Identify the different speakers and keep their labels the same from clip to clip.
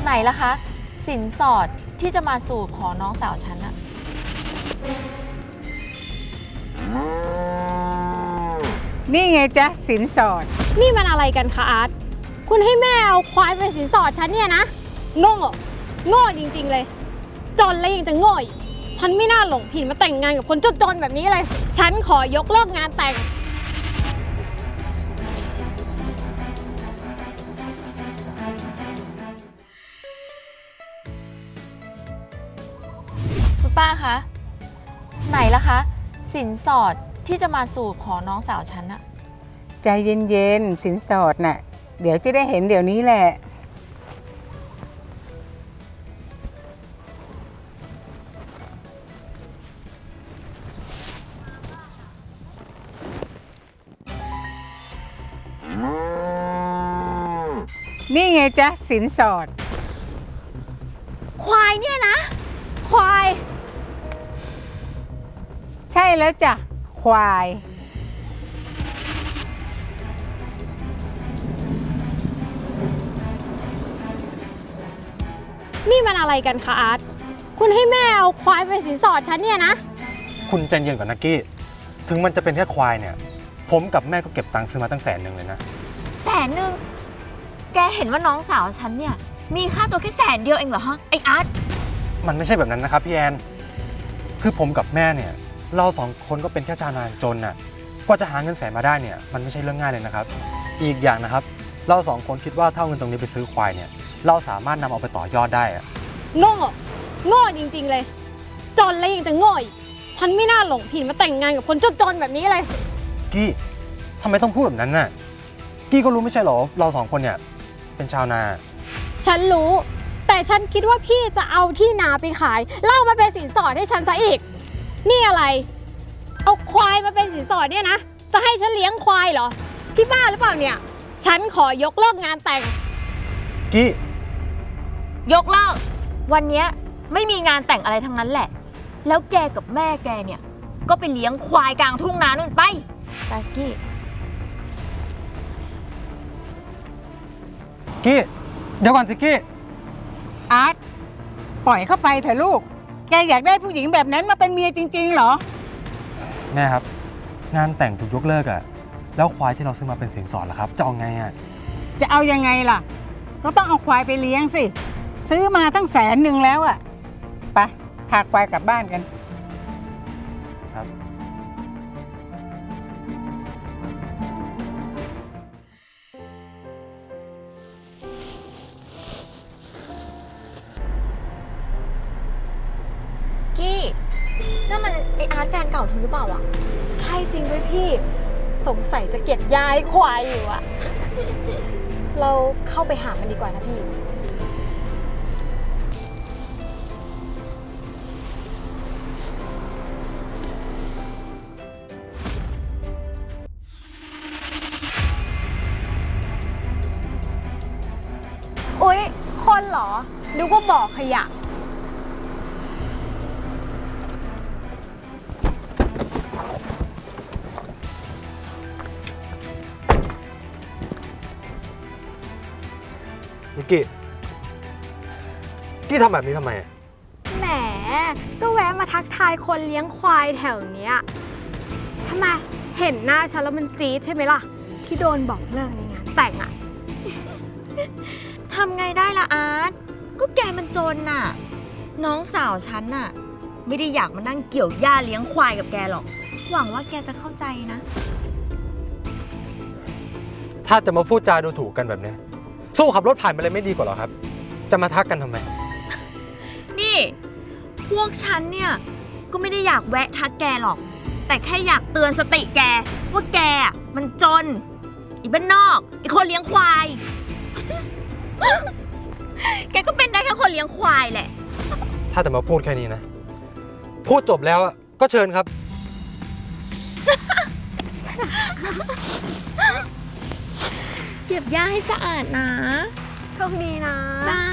Speaker 1: ไหนล่ะคะสินสอดที่จะมาสู่ขอน้องสาวฉันอะ
Speaker 2: นี่ไงจ๊ะสินสอด
Speaker 3: นี่มันอะไรกันคะอาร์ตคุณให้แม่เอาควายเป็นสินสอดฉันเนี่ยนะโง่โง่จริงๆเลยจนแล้วยังจะโง่อีกฉันไม่น่าหลงผิดมาแต่งงานกับคนจนๆแบบนี้เลยฉันขอยกเลิกงานแต่ง
Speaker 1: คุณป้าคะไหนล่ะคะสินสอดที่จะมาสู่ขอน้องสาวฉันอะ
Speaker 2: ใจเย็นๆสินสอดน่ะเดี๋ยวจะได้เห็นเดี๋ยวนี้แหละนี่ไงจ๊ะสินสอด
Speaker 3: ควายเนี่ยนะควาย
Speaker 2: ใช่แล้วจ้ะควาย
Speaker 3: นี่มันอะไรกันคะอาร์ตคุณให้แม่เอาควายเป็นสินสอดฉันเนี่ยนะ
Speaker 4: คุณใจเย็นก่อนนะกี้ถึงมันจะเป็นแค่ควายเนี่ยผมกับแม่ก็เก็บตังค์ซื้อมาตั้ง100,000เลยนะ
Speaker 1: 100,000แกเห็นว่าน้องสาวฉันเนี่ยมีค่าตัวแค่100,000เดียวเองเหรอฮะไออาร์ต
Speaker 4: มันไม่ใช่แบบนั้นนะครับพี่แอนคือผมกับแม่เนี่ยเรา2 คนก็เป็นแค่ชาวนาจนน่ะกว่าจะหาเงิน100,000มาได้เนี่ยมันไม่ใช่เรื่องง่ายเลยนะครับอีกอย่างนะครับเรา2 คนคิดว่าถ้าเอาเงินตรงนี้ไปซื้อควายเนี่ยเราสามารถนำเอาไปต่อยอดได้อะ
Speaker 3: โง่จริงๆเลยจนแล้วยังจะโง่อีกฉันไม่น่าหลงผิดมาแต่งงานกับคนจนๆแบบนี้เลย
Speaker 4: กี้ทำไมต้องพูดแบบนั้นน่ะกี้ก็รู้ไม่ใช่หรอเรา2 คนเนี่ยเป็นชาวนา
Speaker 3: ฉันรู้แต่ฉันคิดว่าพี่จะเอาที่นาไปขายเล่ามาเป็นสินสอดให้ฉันซะอีกนี่อะไรเอาควายมาเป็นสินสอดเนี่ยนะจะให้ฉันเลี้ยงควายเหรอพี่บ้าหรือเปล่าเนี่ยฉันขอยกเลิกงานแต่ง
Speaker 4: กี้
Speaker 1: ยกเลิกวันเนี้ยไม่มีงานแต่งอะไรทั้งนั้นแหละแล้วแกกับแม่แกเนี่ยก็ไปเลี้ยงควายกลางทุ่งนานู่นไปกี้
Speaker 4: กี้เดี๋ยวก่อนสิกี้
Speaker 2: อาร์ตปล่อยเข้าไปเถอะลูกแกอยากได้ผู้หญิงแบบนั้นมาเป็นเมียจริงๆเหรอ
Speaker 4: แม่ครับงานแต่งถูกยกเลิกอะแล้วควายที่เราซื้อมาเป็นสินสอดล่ะครับจะเอาไงอะ
Speaker 2: จะเอายังไงล่ะก็ต้องเอาควายไปเลี้ยงสิซื้อมาตั้ง100,000แล้วอะไปพาควายกลับบ้านกัน
Speaker 4: ครับ
Speaker 1: กี้นั่นมันไออาร์ตแฟนเก่าเธอหรือเปล่าอะ
Speaker 3: ใช่จริงด้วยพี่สงสัยจะเก็บย้ายควายอยู่อะเราเข้าไปหามันดีกว่านะพี่อุ๊ยคนเหรอนึกว่าบ่อขยะ
Speaker 4: นิกกี้ทำแบบนี้ทำไม
Speaker 3: แหมก็แวะมาทักทายคนเลี้ยงควายแถวเนี้ยทำไมเห็นหน้าฉันแล้วมันจี๊ดใช่ไหมล่ะที่โดนบอกเลิกในงานแต่งอะ
Speaker 1: ทำไงได้ล่ะอาร์ตก็แกมันจนน่ะน้องสาวฉันน่ะไม่ได้อยากมานั่งเกี่ยวหญ้าเลี้ยงควายกับแกหรอกหวังว่าแกจะเข้าใจนะ
Speaker 4: ถ้าจะมาพูดจาดูถูกกันแบบนี้สู้ขับรถผ่านไปเลยไม่ดีกว่าหรอครับจะมาทักกันทำไม
Speaker 1: นี่พวกฉันเนี่ยก็ไม่ได้อยากแวะทักแกหรอกแต่แค่อยากเตือนสติแกว่าแกมันจนอีบ้านนอกอีคนเลี้ยงควายแกก็เป็นได้แค่คนเลี้ยงควายแหละ
Speaker 4: ถ้าจะมาพูดแค่นี้นะพูดจบแล้วก็เชิญครับ
Speaker 1: เก็บหญ้าให้สะอาดนะ
Speaker 3: โชคดีนะ
Speaker 1: บาย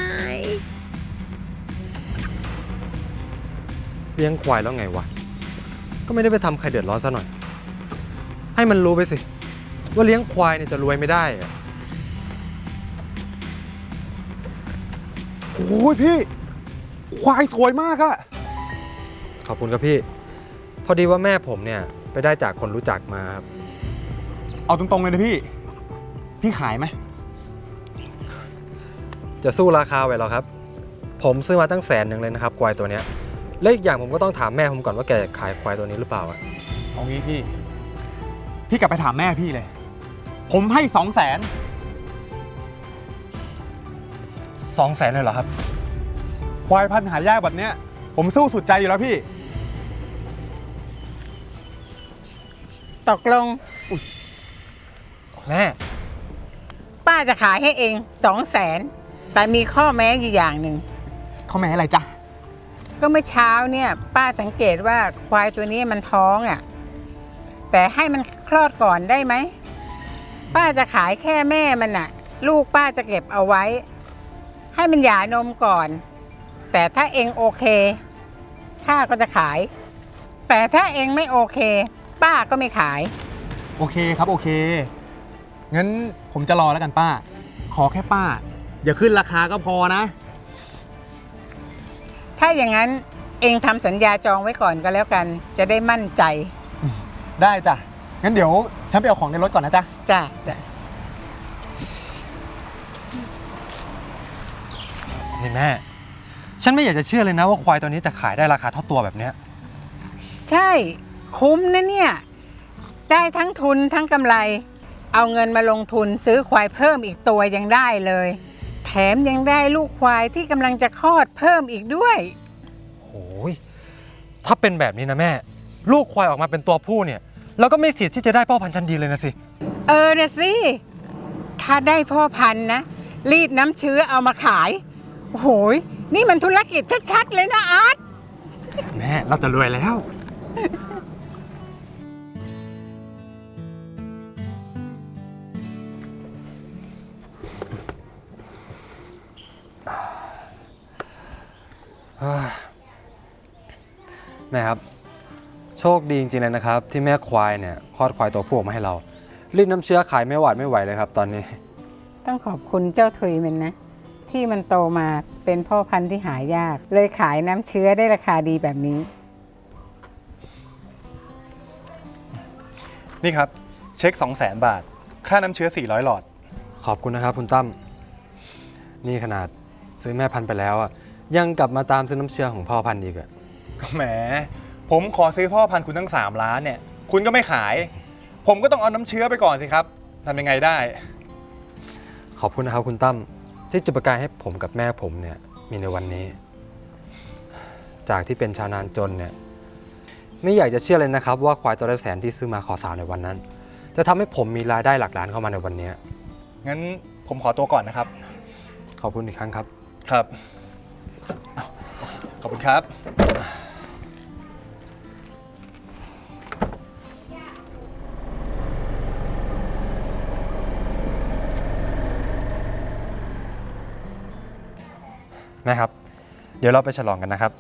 Speaker 4: เลี้ยงควายแล้วไงวะก็ไม่ได้ไปทำใครเดือดร้อนซะหน่อยให้มันรู้ไปสิว่าเลี้ยงควายเนี่ยจะรวยไม่ได้อะ
Speaker 5: โอ้ยพี่ ควายสวยมากอะ
Speaker 4: ขอบคุณครับพี่ พอดีว่าแม่ผมเนี่ยไปได้จากคนรู้จักมาครับ
Speaker 5: เอาตรงๆเลยนะพี่ พี่ขายไหม
Speaker 4: จะสู้ราคาไหวเหรอครับ ผมซื้อมาตั้ง100,000เลยนะครับควายตัวเนี้ยและอีกอย่างผมก็ต้องถามแม่ผมก่อนว่าแกขายควายตัวนี้หรือเปล่าอะ
Speaker 5: เอางี้พี่ พี่กลับไปถามแม่พี่เลย ผมให้200,000
Speaker 4: 200,000เลยเหรอครับ
Speaker 5: ควายพันธุ์หายากแบบเนี้ย ผมสู้สุดใจอยู่แล้วพี่
Speaker 2: ตกลง
Speaker 4: แม่
Speaker 2: ป้าจะขายให้เอง200,000แต่มีข้อแม้อยู่อย่างหนึ่ง
Speaker 5: เขาแม่อะไรจ๊ะ
Speaker 2: ก็เมื่อเช้าเนี่ยป้าสังเกตว่าควายตัวนี้มันท้องอ่ะแต่ให้มันคลอดก่อนได้ไหมป้าจะขายแค่แม่มันน่ะ ลูกป้าจะเก็บเอาไว้ ให้มันหย่านมก่อน แต่ถ้าเองโอเคข้าก็จะขาย แต่ถ้าเองไม่โอเค ป้าก็ไม่ขาย
Speaker 5: โอเคครับโอเค งั้นผมจะรอแล้วกันป้า ขอแค่ป้า อย่าขึ้นราคาก็พอนะ
Speaker 2: ถ้าอย่างนั้นเองทำสัญญาจองไว้ก่อนก็แล้วกัน จะได้มั่นใจ
Speaker 5: ได้จ้ะ งั้นเดี๋ยวฉันไปเอาของในรถก่อนนะจ๊ะ
Speaker 2: จ้ะจ้ะ
Speaker 4: นี่แม่ ฉันไม่อยากจะเชื่อเลยนะว่าควายตัวนี้จะขายได้ราคาเท่าตัวแบบเนี้ย
Speaker 2: ใช่คุ้มนะเนี่ย ได้ทั้งทุนทั้งกำไร เอาเงินมาลงทุนซื้อควายเพิ่มอีกตัวยังได้เลย แถมยังได้ลูกควายที่กำลังจะคลอดเพิ่มอีกด้วย
Speaker 4: โอ้ยถ้าเป็นแบบนี้นะแม่ ลูกควายออกมาเป็นตัวผู้เนี่ยเราก็ไม่สิทธิ์ที่จะได้พ่อพันธุ์ชั้นดีเลยนะสิ
Speaker 2: เออนะสิ ถ้าได้พ่อพันธุ์นะ รีดน้ำเชื้อเอามาขาย โอ้โหยนี่มันธุรกิจชัดๆเลยนะอาร์ต
Speaker 4: แม่เราจะรวยแล้ว แม่ครับ โชคดีจริงๆเลยนะครับ ที่แม่ควายเนี่ยคลอดควายตัวผู้ออกมาให้เรารีดน้ำเชื้อขายไม่หวาดไม่ไหวเลยครับตอนนี้
Speaker 2: ต้องขอบคุณเจ้าทุยมันนะ ที่มันโตมาเป็นพ่อพันธุ์ที่หายาก เลยขายน้ำเชื้อได้ราคาดีแบบนี้
Speaker 5: นี่ครับ เช็ค 200,000 บาท ค่าน้ำเชื้อ400 หลอด
Speaker 4: ขอบคุณนะครับคุณตั้มนี่ขนาดซื้อแม่พันธุ์ไปแล้วอ่ะยังกลับมาตามซื้อน้ำเชื้อของพ่อพันธุ์อีกอะ
Speaker 5: ก็แหม ผมขอซื้อพ่อพันธุ์คุณตั้ง3 ล้านเนี่ย คุณก็ไม่ขาย ผมก็ต้องเอาน้ำเชื้อไปก่อนสิครับทำยังไงได้
Speaker 4: ขอบคุณนะครับคุณตั้มที่จุดประกายให้ผมกับแม่ผมเนี่ยมีในวันนี้ จากที่เป็นชาวนานจนเนี่ยไม่อยากจะเชื่อเลยนะครับว่าควายตัวละ100,000ที่ซื้อมาขอสาวในวันนั้นจะทำให้ผมมีรายได้หลักล้านเข้ามาในวันนี้
Speaker 5: งั้นผมขอตัวก่อนนะครับ
Speaker 4: ขอบคุณอีกครั้งครับ
Speaker 5: ครับอ้าวขอบคุณครับ
Speaker 4: แม่ครับ เดี๋ยวเราไปฉลองกันนะครับ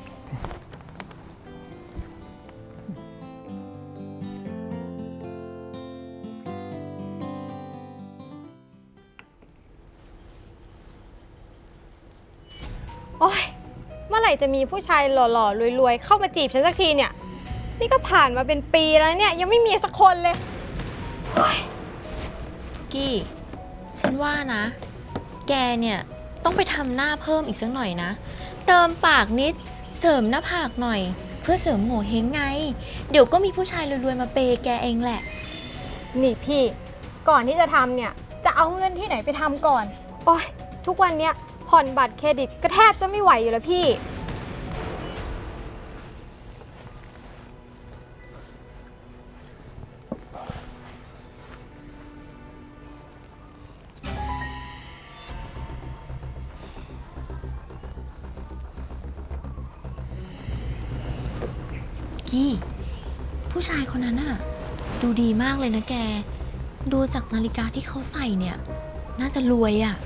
Speaker 3: โอ๊ย เมื่อไหร่จะมีผู้ชายหล่อๆรวยๆเข้ามาจีบฉันสักทีเนี่ย นี่ก็ผ่านมาเป็นปีแล้วเนี่ยยังไม่มีสักคนเลย
Speaker 1: กี้ ฉันว่านะ แกเนี่ยต้องไปทำหน้าเพิ่มอีกสักหน่อยนะ เติมปากนิด เสริมหน้าผากหน่อย เพื่อเสริมโง่เฮงไง เดี๋ยวก็มีผู้ชายรวยๆมาเปย์แกเองแหละ
Speaker 3: นี่พี่ ก่อนที่จะทำเนี่ยจะเอาเงินที่ไหนไปทำก่อน โอ๊ย ทุกวันเนี้ยผ่อนบัตรเครดิตก็แทบจะไม่ไหวอยู่แล้วพี่
Speaker 1: กี้ผู้ชายคนนั้นน่ะดูดีมากเลยนะแก ดูจากนาฬิกาที่เขาใส่เนี่ย น่าจะรวยอ่ะ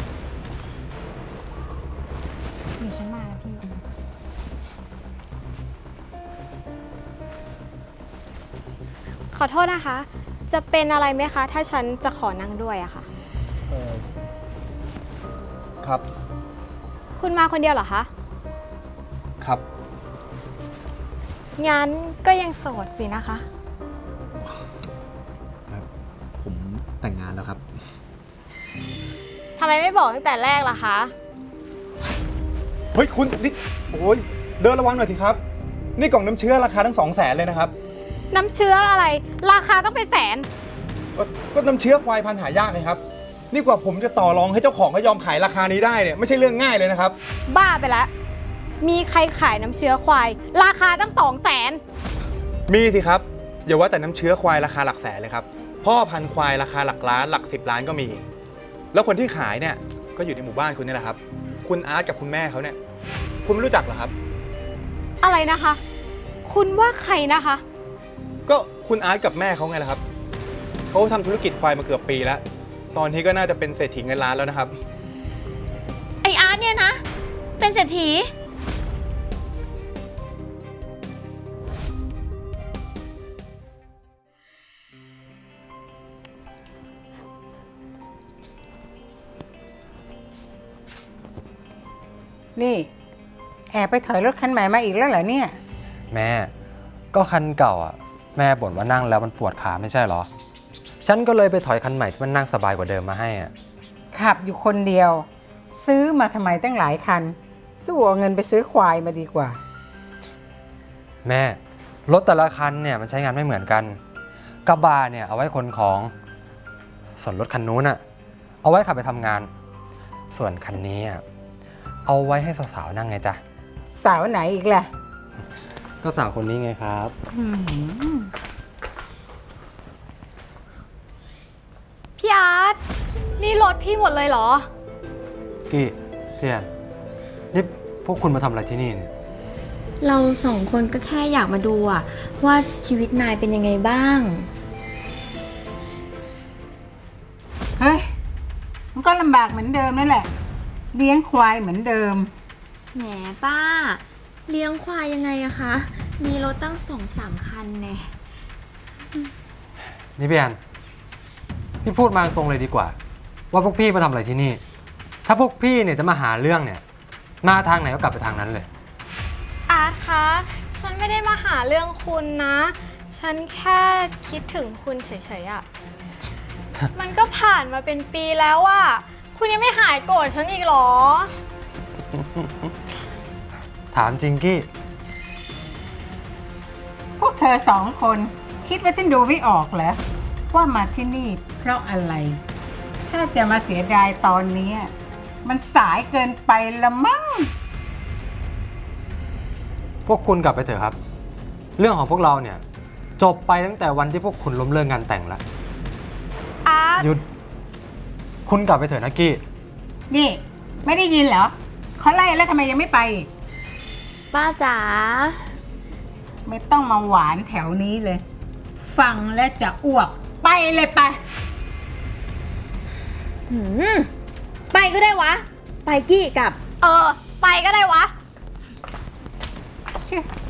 Speaker 3: เดี๋ยวฉันมาพี่ ขอโทษนะคะ จะเป็นอะไรไหมคะ ถ้าฉันจะขอนั่งด้วยอะค่ะ
Speaker 5: ครับ ข
Speaker 3: คุณมาคนเดียวเหรอคะ
Speaker 4: ครับ
Speaker 3: งั้นก็ยังโสดสินะคะ
Speaker 5: ผมแต่งงานแล้วครับ
Speaker 3: ทำไมไม่บอกตั้งแต่แรกล่ะคะ
Speaker 5: เฮ้ยคุณนี่โอ้ยเดินระวังหน่อยสิครับ นี่กล่องน้ำเชื้อราคาทั้ง200,000เลยนะครับ
Speaker 3: น้ำเชื้ออะไร ราคาต้องเป็นแสน
Speaker 5: ก็น้ำเชื้อควายพันธุ์หายากนะครับ นี่กว่าผมจะต่อรองให้เจ้าของเขายอมขายราคานี้ได้เนี่ยไม่ใช่เรื่องง่ายเลยนะครับ
Speaker 3: บ้าไปแล้ว มีใครขายน้ำเชื้อควาย ราคาตั้ง200,000
Speaker 5: มีสิครับอย่าว่าแต่น้ำเชื้อควายราคาหลักแสนเลยครับพ่อพันธุ์ควายราคาหลักล้านหลัก10 ล้านก็มี แล้วคนที่ขายเนี่ยก็อยู่ในหมู่บ้านคุณนี่แหละครับ คุณอาร์ตกับคุณแม่เขาเนี่ยคุณไม่รู้จักเหรอครับ
Speaker 3: อะไรนะคะ คุณว่าใครนะคะ
Speaker 5: ก็คุณอาร์ตกับแม่เขาไงล่ะครับเขาทำธุรกิจควายมาเกือบปีแล้ว ตอนนี้ก็น่าจะเป็นเศรษฐีเงินล้านแล้วนะครับ
Speaker 1: ไออาร์ตเนี่ยนะ เป็นเศรษฐี
Speaker 2: นี่ แอบไปถอยรถคันใหม่มาอีกแล้วเหรอเนี่ย
Speaker 4: แม่ก็คันเก่าอ่ะแม่บ่นว่านั่งแล้วมันปวดขาไม่ใช่เหรอ ฉันก็เลยไปถอยคันใหม่ที่มันนั่งสบายกว่าเดิมมาให้อ่ะ
Speaker 2: ขับอยู่คนเดียว ซื้อมาทำไมตั้งหลายคัน สู้เอาเงินไปซื้อควายมาดีกว่า
Speaker 4: แม่รถแต่ละคันเนี่ยมันใช้งานไม่เหมือนกันกระบะเนี่ยเอาไว้ขนของส่วนรถคันนู้นอ่ะเอาไว้ขับไปทำงาน ส่วนคันนี้อ่ะเอาไว้ให้สาวๆนั่งไงจ๊ะ
Speaker 2: สาวไหนอีกล่ะ
Speaker 4: ก็สาวคนนี้ไงครับ
Speaker 3: พี่อาร์ต นี่รถพี่หมดเลยเหรอ
Speaker 4: กี้พี่แอนนี่พวกคุณมาทำอะไรที่นี่เนี่ย
Speaker 1: เราสองคนก็แค่อยากมาดูอะว่าชีวิตนายเป็นยังไงบ้าง
Speaker 2: เฮ้ย มันก็ลำบากเหมือนเดิมนั่นแหละ เลี้ยงควายเหมือนเดิม
Speaker 1: แหมป้า เลี้ยงควายยังไงอะคะ มีรถตั้ง2-3 คันแน่
Speaker 4: นี่พี่แอนพี่พูดมาตรงเลยดีกว่า ว่าพวกพี่มาทำอะไรที่นี่ ถ้าพวกพี่เนี่ยจะมาหาเรื่องเนี่ยมาทางไหนก็กลับไปทางนั้นเลย
Speaker 3: อาร์ตคะ ฉันไม่ได้มาหาเรื่องคุณนะ ฉันแค่คิดถึงคุณเฉยๆอะ มันก็ผ่านมาเป็นปีแล้วอะคุณยังไม่หายโกรธฉันอีกเหรอ
Speaker 4: ถามจริงกี้
Speaker 2: พวกเธอสองคนคิดว่าฉันดูไม่ออกเหรอว่ามาที่นี่เพราะอะไร ถ้าจะมาเสียดายตอนนี้ มันสายเกินไปละมั้ง
Speaker 4: พวกคุณกลับไปเถอะครับ เรื่องของพวกเราเนี่ยจบไปตั้งแต่วันที่พวกคุณล้มเลิกงานแต่งแล้ว
Speaker 3: อาร์ต
Speaker 4: หยุดคุณกลับไปเถอะนะกี้
Speaker 2: นี่ ไม่ได้ยินเหรอเขาไล่แล้วทำไมยังไม่ไปอีก
Speaker 1: ป้าจ๋า
Speaker 2: ไม่ต้องมาหวานแถวนี้เลย ฟังแล้วจะอ้วก ไปเลยไป
Speaker 1: ไปก็ได้วะ ไปกี้กับ
Speaker 3: ไปก็ได้วะ
Speaker 2: เชื่อ